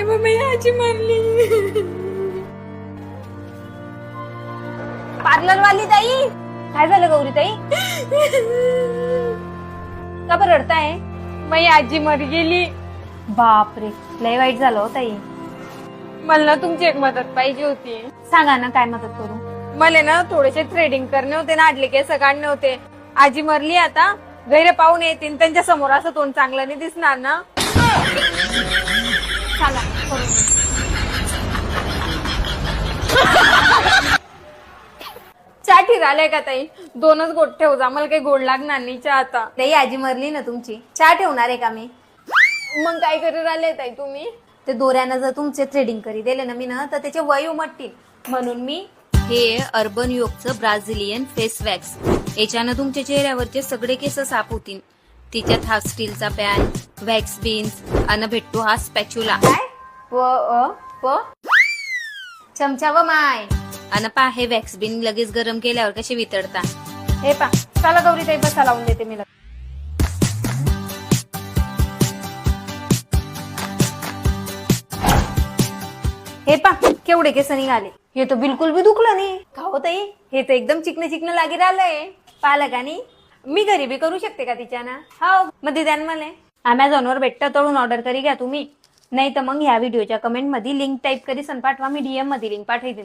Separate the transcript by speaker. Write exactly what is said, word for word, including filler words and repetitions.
Speaker 1: बाबा आजी मारली.
Speaker 2: पार्लर वाली ताई, काय झालं गौरी ताई? का बरं रडताय?
Speaker 1: माझी आजी मर गेली.
Speaker 2: बापरे, लय वाईट झालं हो ताई.
Speaker 1: मला ना तुमची एक मदत पाहिजे होती.
Speaker 2: सांगा ना, काय मदत करू?
Speaker 1: मला ना थोडेसे थ्रेडिंग करणे होते ना, आडले केस काढणे होते. आजी मरली आता, गैरे पाहून येतील, त्यांच्या समोर असं तोंड चांगलं नाही दिसणार ना.
Speaker 2: सांगा, करून दे.
Speaker 1: चहा ठिराले का ताई? दोनच गोट ठेव जा, मला काही गोड लागणार नाही चहा आता.
Speaker 2: ताई आजी मरली ना तुमची, चहा ठेवणार आहे का मी?
Speaker 1: मग काय करू राहिले ताई तुम्ही?
Speaker 2: ते दोऱ्यानं जर तुमचे थ्रेडिंग करी दिले ना मी ना, तर त्याचे वय उमटतील, म्हणून मी
Speaker 3: हे अर्बन योगचं ब्राझिलियन फेस वॅक्स. याच्यानं तुमच्या चेहऱ्यावरचे सगळे केस साफ होतील. तिच्यात हा स्टीलचा पॅन, वॅक्स बीन्स आणि भेटतो हा स्पॅच्युला
Speaker 2: काय प अ प चमचा व माय.
Speaker 3: आणि पा हे वॅक्स बीन लगेच गरम केल्यावर कसे वितळता.
Speaker 2: हे पा, चला गौरी ताई बसा, लावून देते मी. हे पा, केवढे केस निघाले. हे तर बिलकुल बी दुखलं नाही. का हो ताई, हे तर एकदम चिकन चिकन लागी राहिलंय. पाहिलं का नाही? मी घरी बी करू शकते का तिच्यानं? हो, मग द्या मला. अमेझॉन वर भेटतं, तळून ऑर्डर करी घ्या तुम्ही. नाही तर मग ह्या व्हिडिओच्या कमेंट मध्ये लिंक टाईप करी सन पाठवा, मी डीएम मध्ये लिंक पाठवते.